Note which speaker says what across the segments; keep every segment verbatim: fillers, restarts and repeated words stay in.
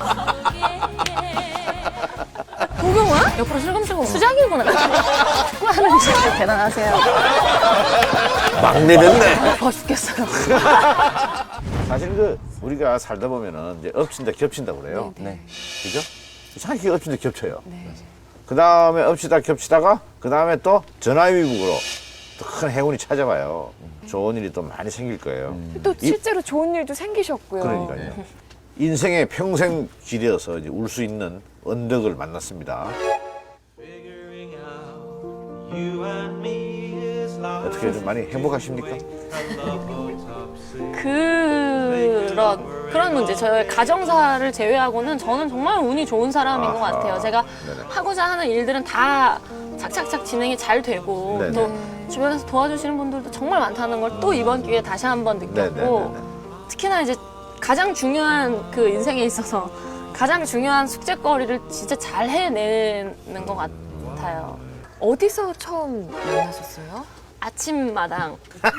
Speaker 1: 도경원? 옆으로 슬금슬금 수작이구나. 축구하는 진짜 대단하세요.
Speaker 2: 막내 됐네.
Speaker 1: 더 죽겠어요.
Speaker 2: 사실 그 우리가 살다 보면은 이제 엎친다 겹친다 그래요.
Speaker 1: 네.
Speaker 2: 그죠? 이상하게 엎친다 겹쳐요. 그 다음에 엎치다 겹치다가 그 다음에 또 전화위복으로 또 큰 행운이 찾아와요. 좋은 일이 또 많이 생길 거예요.
Speaker 3: 또 실제로 좋은 일도 생기셨고요.
Speaker 2: 그러니까요. 인생의 평생 길이어서 이제 울 수 있는 언덕을 만났습니다. 어떻게 좀 많이 행복하십니까?
Speaker 1: 그런 그런 문제. 저의 가정사를 제외하고는 저는 정말 운이 좋은 사람인 것
Speaker 2: 아하.
Speaker 1: 같아요. 제가
Speaker 2: 네네.
Speaker 1: 하고자 하는 일들은 다 착착착 진행이 잘 되고
Speaker 2: 네네.
Speaker 1: 또 주변에서 도와주시는 분들도 정말 많다는 걸 또 이번 기회에 다시 한번 느꼈고
Speaker 2: 네네네네.
Speaker 1: 특히나 이제 가장 중요한 그 인생에 있어서 가장 중요한 숙제거리를 진짜 잘 해내는 것 같아요.
Speaker 3: 어디서 처음 만나셨어요?
Speaker 1: 아침마당.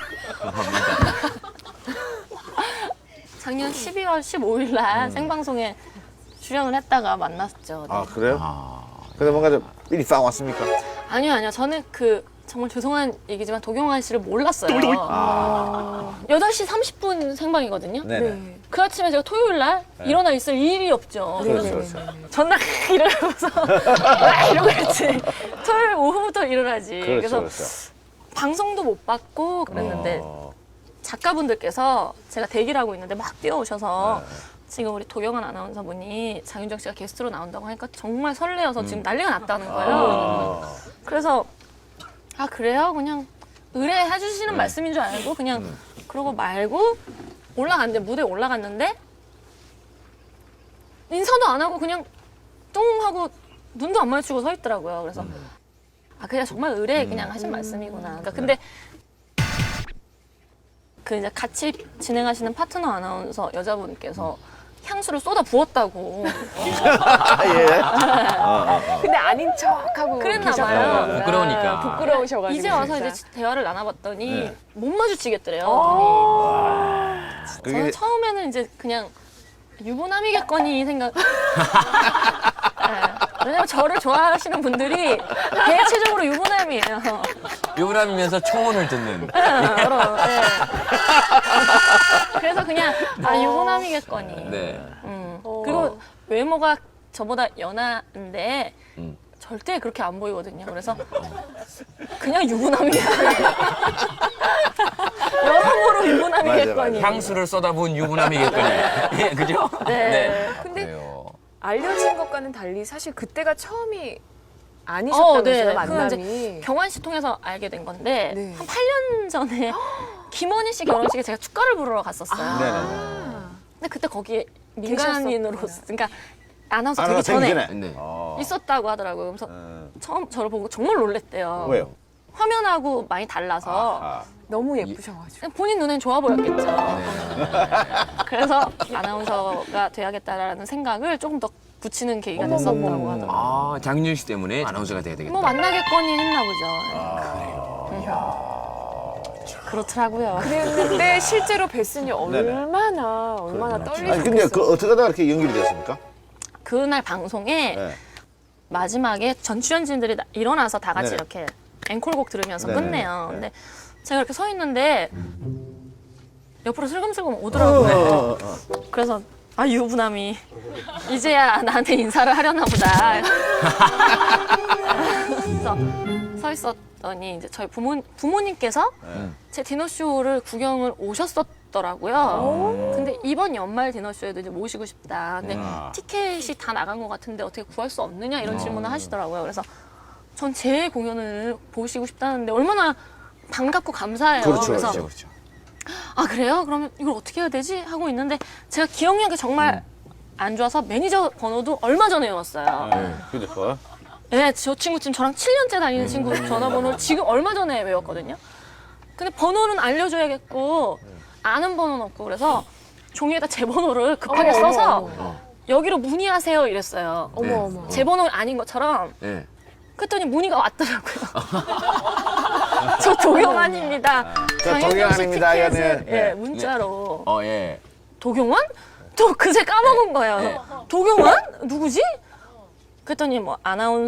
Speaker 1: 작년 십이월 십오일 날 생방송에 출연을 했다가 만났죠. 네.
Speaker 2: 아 그래요? 근데 뭔가 좀 일이 싹 왔습니까?
Speaker 1: 아니요, 아니요. 저는 그 정말 죄송한 얘기지만 도경환 씨를 몰랐어요.
Speaker 2: 아,
Speaker 1: 여덟 시 삼십 분 생방이거든요.
Speaker 2: 네네.
Speaker 1: 그 아침에 제가 토요일 날 일어나 있을 일이 없죠.
Speaker 2: 그렇죠, 그렇죠.
Speaker 1: 전날 일어나서 와 이러고 있지. 토요일 오후부터 일어나지.
Speaker 2: 그렇죠,
Speaker 1: 그래서
Speaker 2: 그렇죠.
Speaker 1: 방송도 못 받고 그랬는데
Speaker 2: 어,
Speaker 1: 작가분들께서 제가 대기를 하고 있는데 막 뛰어오셔서
Speaker 2: 네.
Speaker 1: 지금 우리 도경환 아나운서분이 장윤정 씨가 게스트로 나온다고 하니까 정말 설레어서 지금 난리가 났다는 거예요.
Speaker 2: 아,
Speaker 1: 그래서 아 그래요? 그냥 의뢰해 주시는 말씀인 줄 알고 그냥
Speaker 2: 음.
Speaker 1: 그러고 말고 올라갔는데 무대에 올라갔는데 인사도 안 하고 그냥 뚱 하고 눈도 안 마주치고 서 있더라고요. 그래서
Speaker 2: 음.
Speaker 1: 아 그냥 정말 의뢰 그냥 하신 말씀이구나. 그러니까 근데 그 이제 같이 진행하시는 파트너 아나운서 여자분께서 향수를 쏟아 부었다고
Speaker 2: 아, 예.
Speaker 3: 근데 아닌 척하고
Speaker 1: 그랬나
Speaker 3: 계셨구나.
Speaker 1: 봐요.
Speaker 4: 네, 부끄러우니까.
Speaker 3: 부끄러우셔가지고
Speaker 1: 이제 와서
Speaker 3: 진짜.
Speaker 1: 이제 대화를 나눠봤더니
Speaker 2: 네.
Speaker 1: 못 마주치겠더래요.
Speaker 3: 아.
Speaker 1: 저는
Speaker 2: 그게
Speaker 1: 처음에는 이제 그냥 유부남이겠거니 생각. 네. 왜냐면 저를 좋아하시는 분들이 대체적으로 유부남이에요.
Speaker 4: 유부남이면서 초혼을 듣는.
Speaker 1: 여러, 네. 그래서 그냥 아 유부남이겠거니.
Speaker 4: 네.
Speaker 1: 음.
Speaker 3: 어.
Speaker 1: 그리고 외모가 저보다 연하인데
Speaker 4: 음.
Speaker 1: 절대 그렇게 안 보이거든요. 그래서 그냥 유부남이야. 여러모로 유부남이겠거니.
Speaker 4: 향수를 쏟아부은 유부남이겠거니. 예, 그죠?
Speaker 1: 네.
Speaker 3: 근데
Speaker 4: 그래요.
Speaker 3: 알려진 것과는 달리 사실 그때가 처음이 아니셨다면서요,
Speaker 1: 그건
Speaker 3: 만남이.
Speaker 1: 경환 씨 통해서 알게 된 건데
Speaker 3: 네.
Speaker 1: 한 팔 년 전에 김원희 씨 결혼식에 제가 축가를 부르러 갔었어요.
Speaker 3: 아.
Speaker 1: 근데 그때 거기에 민간인으로
Speaker 3: 계셨었구나.
Speaker 1: 그러니까 아나운서
Speaker 2: 아나가
Speaker 1: 되기 전에
Speaker 2: 생기네.
Speaker 4: 네.
Speaker 2: 어.
Speaker 1: 있었다고 하더라고요. 그래서
Speaker 2: 어.
Speaker 1: 처음 저를 보고 정말 놀랬대요.
Speaker 2: 왜요?
Speaker 1: 화면하고 많이 달라서
Speaker 2: 아하.
Speaker 3: 너무 예쁘셔가지고.
Speaker 1: 그냥 본인 눈엔 좋아 보였겠죠.
Speaker 4: 네.
Speaker 1: 그래서 아나운서가 돼야겠다라는 생각을 조금 더 붙이는 계기가 됐었다고 하더라고요.
Speaker 4: 아, 장윤정 씨 때문에 아나운서가 돼야 되겠다.
Speaker 1: 뭐 만나겠거니 했나 보죠.
Speaker 2: 아,
Speaker 1: 그렇더라고요.
Speaker 3: 그랬는데 실제로 뵀으니
Speaker 2: 네네.
Speaker 3: 얼마나 얼마나
Speaker 2: 아니
Speaker 3: 떨리셨겠어요.
Speaker 2: 근데 그 어떻게 하다가 이렇게 연결이 됐습니까?
Speaker 1: 그날 방송에
Speaker 2: 네.
Speaker 1: 마지막에 전 출연진들이 나- 일어나서 다 같이
Speaker 2: 네네.
Speaker 1: 이렇게 앵콜곡 들으면서
Speaker 2: 네네.
Speaker 1: 끝내요.
Speaker 2: 네.
Speaker 1: 근데 제가 이렇게 서 있는데 옆으로 슬금슬금
Speaker 2: 어,
Speaker 1: 오더라고요.
Speaker 2: 어, 어.
Speaker 1: 그래서 아 유부남이 이제야 나한테 인사를 하려나 보다. 그래서 서 있었더니 이제 저희 부모 부모님께서
Speaker 2: 네.
Speaker 1: 제 디너쇼를 구경을 오셨었더라고요. 근데 이번 연말 디너쇼에도 이제 모시고 싶다. 근데
Speaker 2: 아.
Speaker 1: 티켓이 다 나간 것 같은데 어떻게 구할 수 없느냐 이런 질문을 하시더라고요. 그래서 전 제 공연을 보시고 싶다는데 얼마나 반갑고 감사해요.
Speaker 2: 그렇죠,
Speaker 1: 그래서
Speaker 2: 그렇죠.
Speaker 4: 그렇죠.
Speaker 1: 아 그래요? 그러면 이걸 어떻게 해야 되지? 하고 있는데 제가 기억력이 정말 안 좋아서 매니저 번호도 얼마 전에 외웠어요.
Speaker 2: 네. 휴대폰.
Speaker 1: 네, 저 친구 지금 저랑 칠 년째 다니는 친구 전화번호를 지금 얼마 전에 외웠거든요. 근데 번호는 알려줘야겠고 아는 번호는 없고 그래서 종이에다 제 번호를 급하게
Speaker 3: 어머,
Speaker 1: 써서
Speaker 3: 어머, 어머.
Speaker 1: 여기로 문의하세요 이랬어요.
Speaker 3: 어머
Speaker 4: 네.
Speaker 3: 어머.
Speaker 1: 제 번호 아닌 것처럼.
Speaker 4: 네.
Speaker 1: 그랬더니 문의가 왔더라고요. 저 도경환입니다.
Speaker 2: 저 도경환입니다.
Speaker 1: 티켓을
Speaker 2: 이거는,
Speaker 1: 예,
Speaker 2: 네.
Speaker 1: 문자로.
Speaker 4: 어, 예.
Speaker 1: 도경환? 저 그새 까먹은 거예요. 도경완? 누구지? 그랬더니 뭐 아나운서